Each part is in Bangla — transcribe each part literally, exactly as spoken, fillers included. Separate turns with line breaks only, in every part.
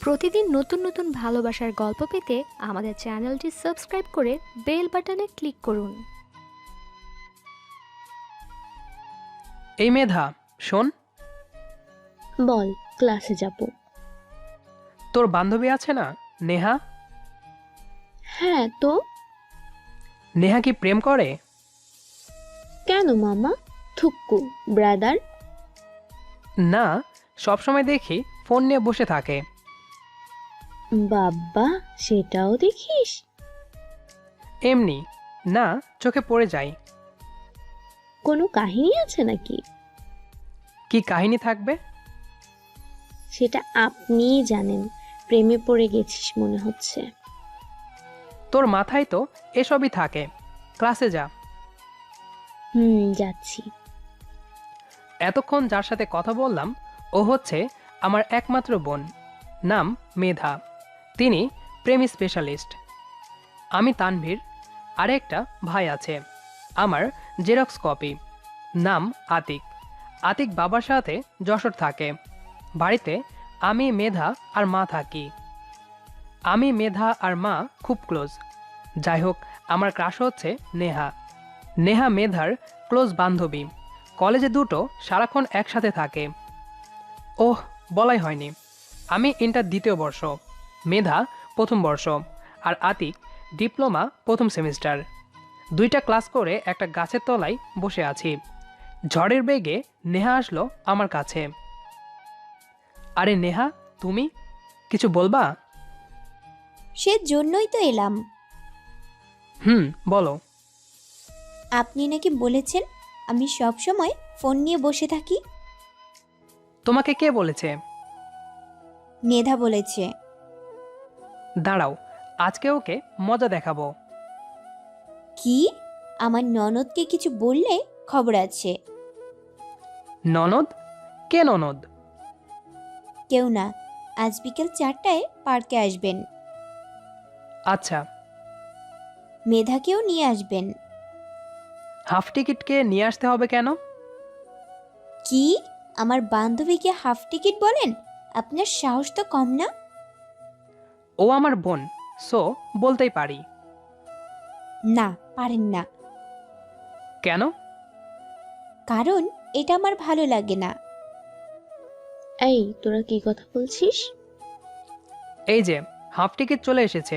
প্রতিদিন নতুন নতুন ভালোবাসার গল্প পেতে আমাদের চ্যানেলটি সাবস্ক্রাইব করে বেল বাটনে ক্লিক করুন।
এই মেধা, শোন।
বল, ক্লাসে যাব।
তোর বান্ধবী আছে না, নেহা?
হ্যাঁ তো।
নেহা কি প্রেম করে?
কেন মামা? থুক্কু ব্রাদার।
না, সবসময় দেখি ফোন নিয়ে বসে থাকে।
বাব্বা, সেটাও দেখিস?
এমনি, না চোখে পড়ে যায়।
কোনো কাহিনী আছে নাকি?
কি কাহিনী থাকবে?
সেটা আপনিই জানেন। প্রেমে পড়ে গেছিস মনে হচ্ছে।
তোর মাথায় তো এসবই থাকে। ক্লাসে যা।
হুম, যাচ্ছি।
এতক্ষণ যার সাথে কথা বললাম ও হচ্ছে আমার একমাত্র বোন, নাম মেধা। তিনি প্রেম স্পেশালিস্ট। আমি তানভীর। আরেকটা ভাই আছে, আমার জেরক্স কপি, নাম আতিক। আতিক বাবার সাথে যশোর থাকে। বাড়িতে আমি, মেধা আর মা থাকি। আমি, মেধা আর মা খুব ক্লোজ। যাই হোক, আমার ক্রাশ হচ্ছে নেহা। নেহা মেধার ক্লোজ বান্ধবী। কলেজে দুটো সারাক্ষণ একসাথে থাকে। ওহ, বলাই হয়নি, আমি ইন্টার দ্বিতীয় বর্ষ, মেধা প্রথম বর্ষ, আর আতিক ডিপ্লোমা প্রথম সেমিস্টার। দুইটা ক্লাস করে একটা গাছের তলায় বসে আছি। ঝড়ের বেগে নেহা আসলো আমার কাছে। আরে নেহা, তুমি কিছু বলবা?
সে জন্যই তো এলাম।
হুম, বলো।
আপনি নাকি বলেছেন আমি সব সময় ফোন নিয়ে বসে থাকি।
তোমাকে কে বলেছে?
মেধা বলেছে।
দাঁড়াও, আজকে ওকে মজা দেখাবো।
কি? আমার ননদকে কিছু বললে খবর আছে।
ননদ? কে ননদ?
কেউ না, আজ বিকেল চারটায় পার্কে আসবেন।
আচ্ছা।
মেধাকেও নিয়ে আসবেন।
হাফ টিকিটকে নিয়ে আসতে হবে কেন?
কি? আমার বান্ধবীকে হাফ টিকিট বলেন? আপনার সাহস তো কম না।
ও আমার বোন, সো বলতেই পারি।
না, পারেন না।
কেন?
কারণ এটা আমার ভালো লাগে না।
এই, তোরা কি কথা বলছিস?
এই যে হাফ টিকিট চলে এসেছে।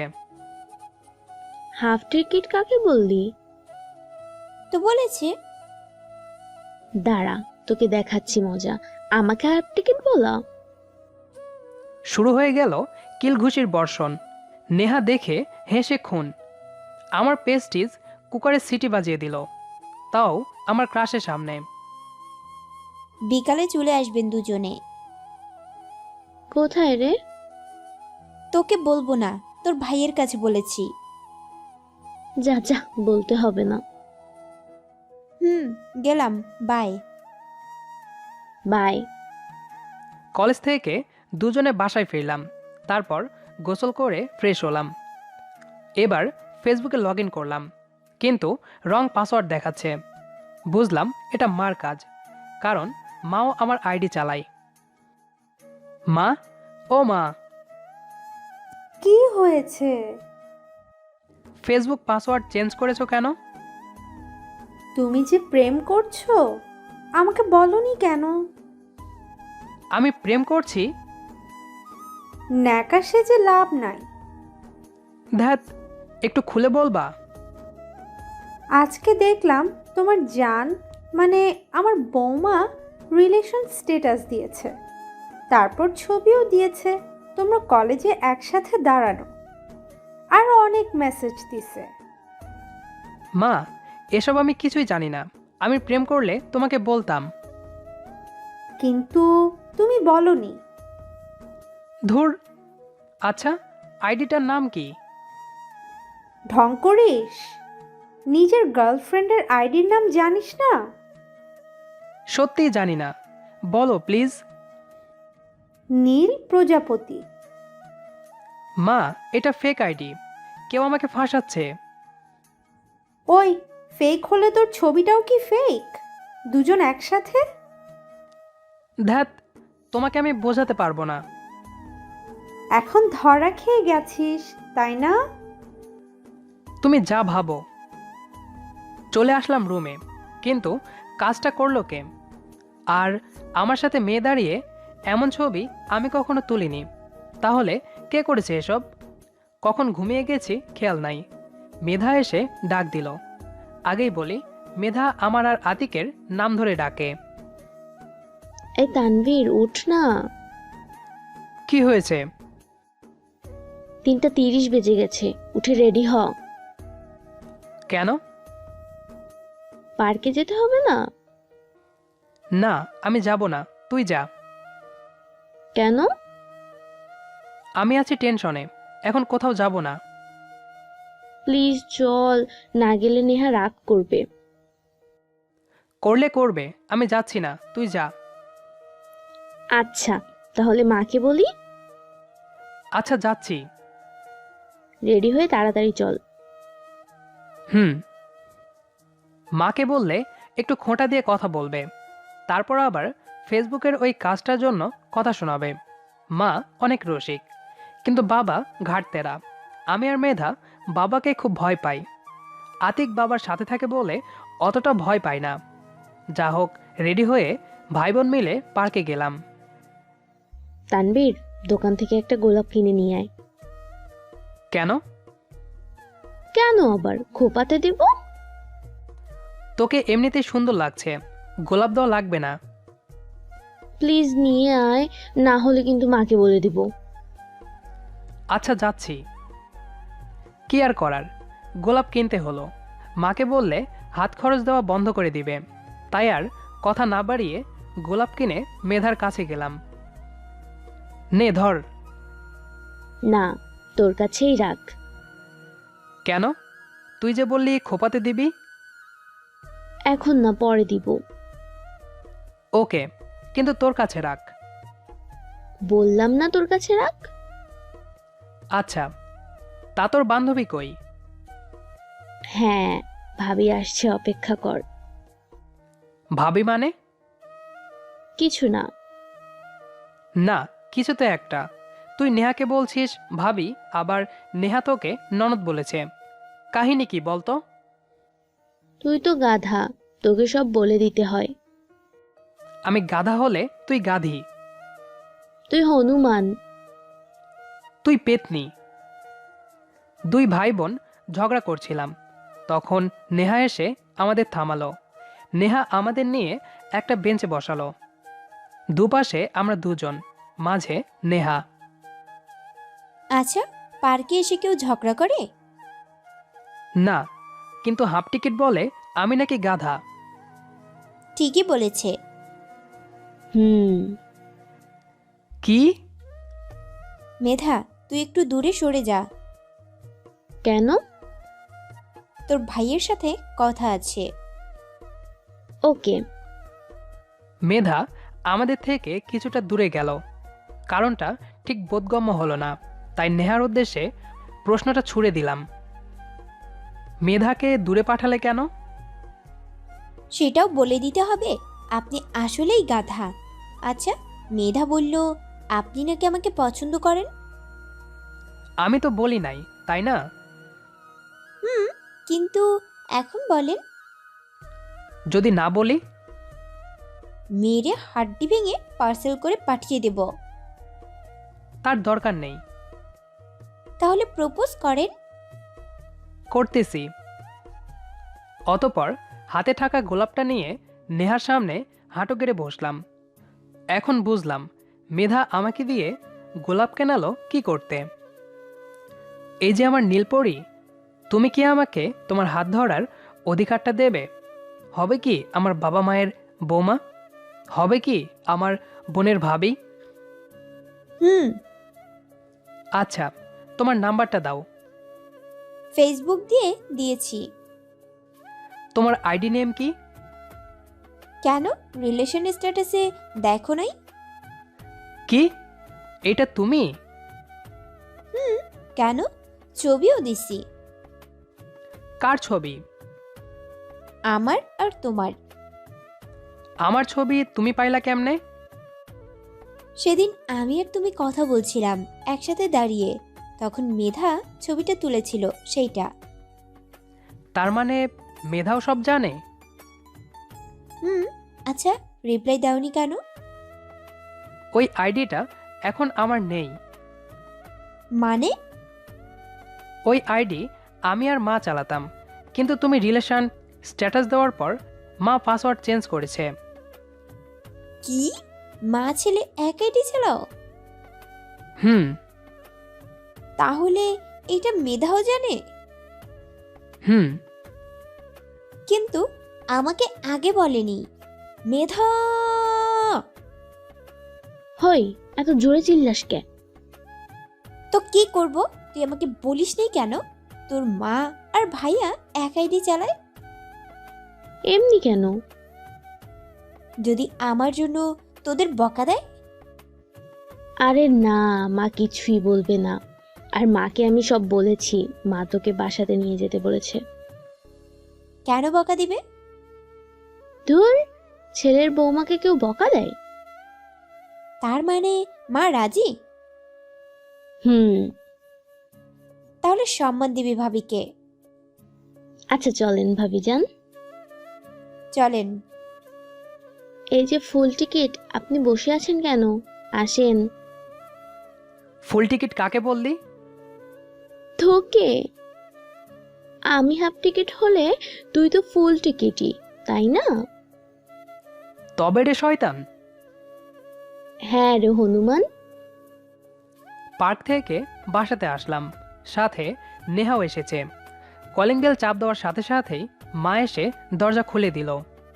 হাফ টিকিট কাকে বললি?
তো বলেছে।
দাঁড়া, তোকে দেখাচ্ছি মজা। আমাকে হাফ টিকিট বলা?
শুরু হয়ে গেল কিলঘুষির বর্ষণ। নেহা দেখে হেসে খুন। আমার পেস্টিজ কুকারে সিটি বাজিয়ে দিল, তাও আমার ক্রাশের সামনে।
বিকালে চলে আসবেন দুজনে।
কোথায় রে?
তোকে বলবো না, তোর ভাইয়ের কাছে বলেছি।
যা যা, বলতে হবে না।
হুম, গেলাম, বাই।
বাই।
কলেজ থেকে দুজনে বাসায় ফিরলাম। তারপর গোসল করে ফ্রেশ হলাম। এবার ফেসবুকে লগ ইন করলাম, কিন্তু রং পাসওয়ার্ড দেখাচ্ছে। বুঝলাম এটা মার কাজ, কারণ মাও আমার আইডি চালায়। মা, ও মা।
কি হয়েছে?
ফেসবুক পাসওয়ার্ড চেঞ্জ করেছো কেন?
তুমি যে প্রেম করছো, আমাকে বলনি কেন?
আমি প্রেম করছি?
ন্যাকা সেজে লাভ নাই।
ধ্যাত, একটু খুলে বলবা?
আজকে দেখলাম তোমার জান, মানে আমার বৌমা, রিলেশন স্ট্যাটাস দিয়েছে। তারপর ছবিও দিয়েছে তোমরা কলেজে একসাথে দাঁড়ানো। আর অনেক মেসেজ দিছে।
মা, এসব আমি কিছুই জানি না। আমি প্রেম করলে তোমাকে বলতাম।
কিন্তু তুমি বলনি।
ধুর। আচ্ছা, আইডিটার নাম কি?
ঢং করিস? নিজের গার্লফ্রেন্ডের আইডির নাম জানিস না?
সত্যিই জানি না, বলো প্লিজ।
নীল প্রজাপতি।
মা, এটা ফেক আইডি, কেউ আমাকে ফাঁসাচ্ছে।
ওই, ফেক হলে তোর ছবিটাও কি ফেক? দুজন একসাথে?
ধ্যাত, তোমাকে আমি বোঝাতে পারবো না।
এখন ধরা খেয়ে গেছিস তাই না?
তুমি যা ভাবো। চলে আসলাম রুমে, কিন্তু কাজটা করলো কে? আর আমার সাথে মেয়ে দাঁড়িয়ে এমন ছবি আমি কখনো তুলিনি। তাহলে কে করেছে এসব? কখন ঘুমিয়ে গেছি খেয়াল নাই। মেধা এসে ডাক দিল। আগেই বলি, মেধা আমার আর আতিকের নাম ধরে ডাকে।
এই তানভীর, উঠ না।
কি হয়েছে?
তিনটা তিরিশ বেজে গেছে, উঠে রেডি হ।
কেন?
পার্কে যেতে হবে না?
না, আমি যাব না, তুই যা।
কেন?
আমি আছি টেনশনে, এখন কোথাও যাব না।
প্লিজ চল, না গেলে নেহা রাগ করবে।
করলে করবে, আমি যাচ্ছি না, তুই যা।
আচ্ছা, তাহলে মাকে বলি।
আচ্ছা, যাচ্ছি।
রেডি হয়ে তাড়াতাড়ি চল।
হুম। মাকে বললে একটু খোঁটা দিয়ে কথা বলবে, তারপর আবার ফেসবুকের ওই কাজটার জন্য কথা শোনাবে। মা অনেক রসিক, কিন্তু বাবা ঘাটতেরা। আমি আর মেধা বাবাকে খুব ভয় পাই। আতিক বাবার সাথে থাকে বলে অতটা ভয় পাই না। যা হোক, রেডি হয়ে ভাই বোন মিলে পার্কে গেলাম।
তানভীর, দোকান থেকে একটা গোলাপ কিনে নিয়ে আয়।
কেন?
কেন আবার, খোপাতে দিব।
তোকে এমনিতেই সুন্দর লাগছে, গোলাপ দেওয়া লাগবে না।
প্লিজ নিয়ে আয়, না হলে কিন্তু মাকে বলে দিব।
আচ্ছা, যাচ্ছি। কি আর করার, গোলাপ কিনতে হলো। মাকে বললে হাত খরচ দেওয়া বন্ধ করে দিবে, তাই আর কথা না বাড়িয়ে গোলাপ কিনে মেধার কাছে গেলাম। নে ধর।
না, তোর কাছেই রাখ।
কেন? তুই যে বললি খোপাতে দিবি।
এখন না, পরে দিব।
ওকে, কিন্তু তোর কাছে রাখ।
বললাম না তোর কাছে রাখ।
আচ্ছা, তা তোর বান্ধবী কই?
হ্যাঁ, ভাবি আসছে, অপেক্ষা কর।
ভাবি মানে?
কিছু না।
না, কিছু তো একটা। তুই নেহাকে বলছিস ভাবি, আবার নেহা তোকে ননদ বলেছে। কাহিনী কি বলতো?
তুই তো গাধা, তোকে সব বলে দিতে হয়।
আমি গাধা হলে তুই গাধি।
তুই হনুমান।
তুই পেতনি। দুই ভাই বোন ঝগড়া করছিলাম, তখন নেহা এসে আমাদের থামালো। নেহা আমাদের নিয়ে একটা বেঞ্চে বসালো। দুপাশে আমরা দুজন, মাঝে নেহা।
আচ্ছা, পার্কে এসে কেউ ঝগড়া করে?
না, কিন্তু হাফ টিকিট বলে আমি নাকি গাধা।
ঠিকই বলেছে।
হুম।
কি?
মেধা, তুই একটু দূরে সরে যা,
কেন?
তোর ভাইয়ের সাথে কথা আছে।
ওকে।
মেধা আমাদের থেকে কিছুটা দূরে গেল। কারণটা ঠিক বোধগম্য হলো না, তাই নেহার উদ্দেশ্যে প্রশ্নটা ছুড়ে দিলাম। মেধাকে দূরে পাঠালে কেন?
সেটাও বলে দিতে হবে? আপনি আসলেই গাধা। আচ্ছা, মেধা বলল আপনি নাকি আমাকে পছন্দ করেন।
আমি তো বলি নাই, তাই না?
হুম, কিন্তু এখন বলেন।
যদি না বলি?
মেরে হাড্ডি ভেঙে পার্সেল করে পাঠিয়ে দেব।
তার দরকার নেই।
তাহলে প্রপোজ করেন।
করতেছি। অতপর হাতে থাকা গোলাপটা নিয়ে নেহার সামনে হাঁটু গেড়ে বসলাম। এখন বুঝলাম মেধা আমাকে দিয়ে গোলাপ কেনালো কি করতে। এই যে আমার নীলপরি, তুমি কি আমাকে তোমার হাত ধরার অধিকারটা দেবে? হবে কি আমার বাবা মায়ের বৌমা? হবে কি আমার বোনের ভাবি?
হুম।
আচ্ছা, তোমার নাম্বারটা দাও।
ফেসবুক দিয়ে দিয়েছি।
তোমার আইডি নেম কি?
কেন, রিলেশন স্ট্যাটাসে দেখো নাই?
কি? এটা তুমি?
হুম, কেন, ছবিও দিছি।
কার ছবি?
আমার আর তোমার।
আমার ছবি তুমি পাইলা কেমনে?
সেদিন আমি আর তুমি কথা বলছিলাম একসাথে দাঁড়িয়ে, তখন মেধা ছবিটা তুলেছিল সেইটা।
তার মানে মেধাও সব জানে?
হুম। আচ্ছা, রিপ্লাই দাওনি কেন?
ওই আইডিটা এখন আমার নেই।
মানে?
ওই আইডি আমি আর মা চালাতাম, কিন্তু তুমি রিলেশন স্ট্যাটাস দেওয়ার পর মা পাসওয়ার্ড চেঞ্জ করেছে।
কি? মা ছেলে এক আইডি চালাও?
হুম।
তাহলে এটা মেধাও জানে?
হুম।
কিন্তু আমাকে আগে বলেনি। মেধা!
হই, এত জোরে চিল্লাস কে?
তো কি করব? তুই আমাকে বলিস নি কেন তোর মা আর ভাইয়া এক আইডি চালায়?
এমনি কেন?
যদি আমার জন্য তোদের বকা দেয়?
আরে না, মা কিছুই বলবে না। আর মাকে আমি সব বলেছি, মা তোকে বাসাতে নিয়ে যেতে বলেছে।
কেন বকা দিবে?
ধুর, ছেলের বৌমাকে কেউ বকা দেয়?
তার মানে মা রাজি?
হুম।
তাহলে সম্মান দিবি ভাবিকে।
আচ্ছা চলেন ভাবি যান।
চলেন।
এই যে ফুল টিকিট, আপনি বসে আছেন কেন? আসেন।
ফুল টিকিট কাকে বললি?
তোকে। আমি হাফ টিকিট হলে তুই তো ফুল টিকিটই, তাই না?
তবে রে শয়তান।
হ্যাঁ রে হনুমান।
পার্ক থেকে বাসাতে আসলাম, সাথে নেহাও এসেছে। কলিং বেল চাপ দেওয়ার সাথে সাথেই মা এসে দরজা খুলে দিল।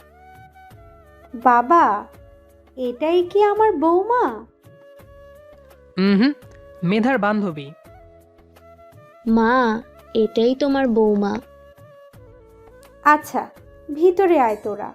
বাবা, এটাই কি আমার বৌমা?
হুম, মেধার বান্ধবী।
মা, এটাই তোমার বৌমা।
আচ্ছা, ভিতরে আয় তোরা।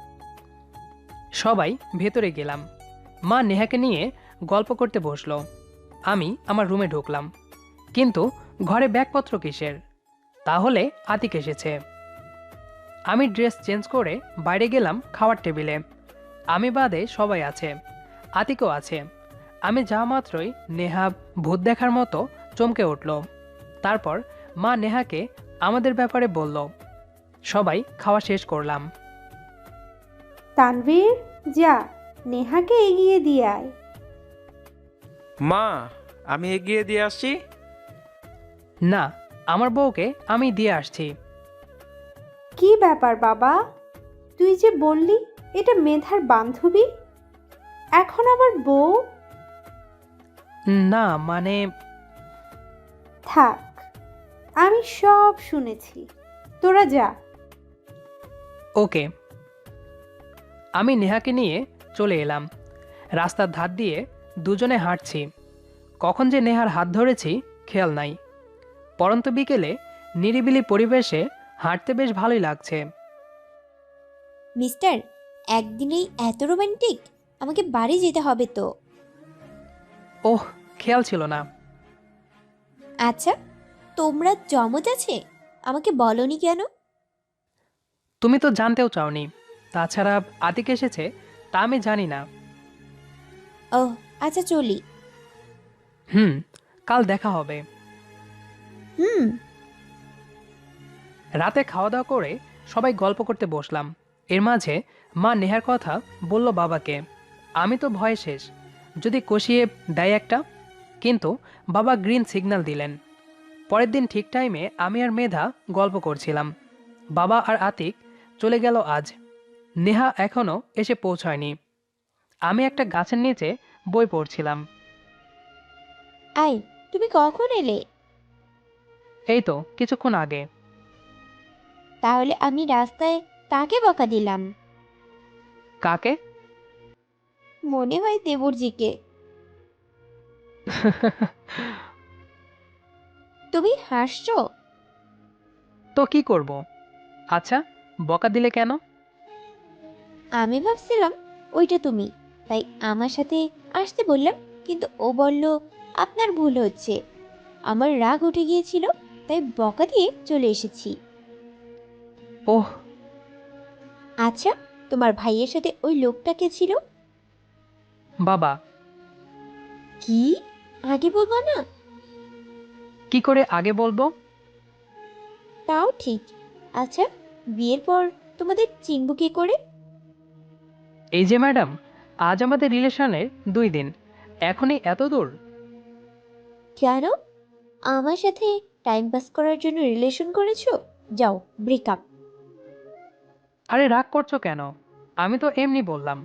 সবাই ভেতরে গেলাম। মা নেহাকে নিয়ে গল্প করতে বসলো। আমি আমার রুমে ঢুকলাম, কিন্তু ঘরে ব্যাগপত্র কিসের? তাহলে আতিক এসেছে। আমি ড্রেস চেঞ্জ করে বাইরে গেলাম খাওয়ার টেবিলে। আমি বাদে সবাই আছে, আতিকও আছে। আমি যা মাত্রই নেহা ভূত দেখার মতো চমকে উঠল। তারপর মা নেহাকে আমাদের ব্যাপারে বলল। সবাই খাওয়া শেষ করলাম।
তানভীর, যা নেহাকে এগিয়ে দিয়ে আয়।
মা, আমি এগিয়ে দিয়ে আসছি।
না, আমার বউকে আমি দিয়ে আসছি।
কি ব্যাপার বাবা? তুই যে বললি এটা মেধার বান্ধবী, এখন আবার বউ?
না মানে
থাক, আমি সব শুনেছি, তোরা যা।
ওকে। আমি নেহাকে নিয়ে চলে এলাম। রাস্তার ধার দিয়ে দুজনে হাঁটছি। কখন যে নেহার হাত ধরেছি খেয়াল নাই। পরন্ত বিকেলে নিরিবিলি পরিবেশে হাঁটতে বেশ ভালোই লাগছে।
মিস্টার, একদিনেই এত রোমান্টিক? আমাকে বাড়ি যেতে হবে তো।
ওহ, খেয়াল ছিল না।
আচ্ছা, তোমরা জমজ আছে? আমাকে বলনি কেন?
তুমি তো জানতেও চাওনি। তাছাড়া আতিক এসেছে তা আমি জানি না।
ওহ আচ্ছা, চলি।
হুম, কাল দেখা হবে।
হুম।
রাতে খাওয়া দাওয়া করে সবাই গল্প করতে বসলাম। এর মাঝে মা নেহার কথা বলল বাবাকে। আমি তো ভয়ে শেষ, যদি কষিয়ে দেয় একটা। কিন্তু বাবা গ্রিন সিগন্যাল দিলেন। পরের দিন ঠিক টাইমে আমি আর মেধা গল্প করছিলাম। বাবা আর আতিক চলে গেল আজ। নেহা এখনও এসে পৌঁছায়নি। আমি একটা গাছের নিচে বই পড়ছিলাম।
আয়, তুমি কখন এলে?
এই তো কিছুক্ষণ আগে।
তাহলে আমি রাস্তায় কাকে বকা দিলাম?
কাকে?
মনে হয় দেবরজিকে। তুমি হাসছো?
তো কি করব? আচ্ছা, বকা দিলে কেন?
আমি ভাবছিলাম ওইটা তুমি, তাই আমার সাথে আসতে বললাম, কিন্তু ও বলল আপনার ভুল হচ্ছে। আমার রাগ উঠে গিয়েছিল, তাই বকা দিয়ে চলে এসেছি।
ওহ,
আচ্ছা, তোমার ভাইয়ের সাথে ওই লোকটা কে ছিল?
বাবা।
কি? আগে বলবো না?
কি করে আগে বলবো?
তাও ঠিক। আচ্ছা, বিয়ের পর তোমাদের চিনব কি করে?
এই যে ম্যাডাম, আজ আমাদের রিলেশনের দুই দিন, এখনই এত দূর?
কেন? আমার সাথে টাইম পাস করার জন্য রিলেশন করেছো? যাও, ব্রেকআপ।
আরে রাগ করছো কেন? আমি তো এমনি বললাম।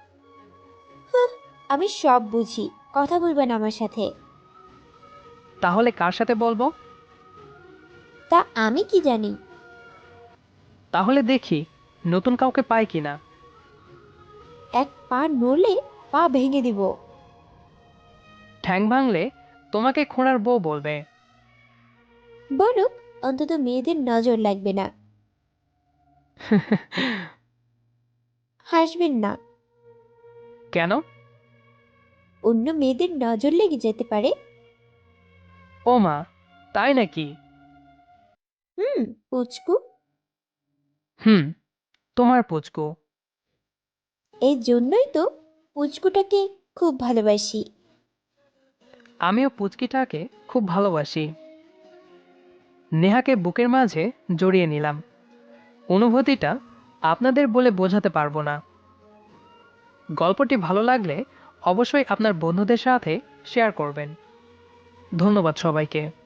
আমি সব বুঝি, কথা বলবে না আমার সাথে।
তাহলে কার সাথে বলবো?
তা আমি কি জানি?
তাহলে দেখি নতুন কাউকে পাই কিনা।
এক পা নড়লে পা ভেঙে দিব।
ঠ্যাং ভাঙলে তোমাকে খোঁড়ার বউ বলবে।
বলুক, অন্তত মেয়েদের নজর লাগবে না। হাসবেন না।
কেন?
অন্য মেয়েদের নজর লেগে যেতে পারে।
ও মা, তাই নাকি?
হুম, পুচকু।
হুম, তোমার পুচকু।
এই জন্যই তো পুচকুটাকে খুব ভালোবাসি।
আমিও পুচকিটাকে খুব ভালোবাসি। নেহাকে বুকের মাঝে জড়িয়ে নিলাম। অনুভূতিটা আপনাদের বলে বোঝাতে পারবো না। গল্পটি ভালো লাগলে অবশ্যই আপনার বন্ধুদের সাথে শেয়ার করবেন। ধন্যবাদ সবাইকে।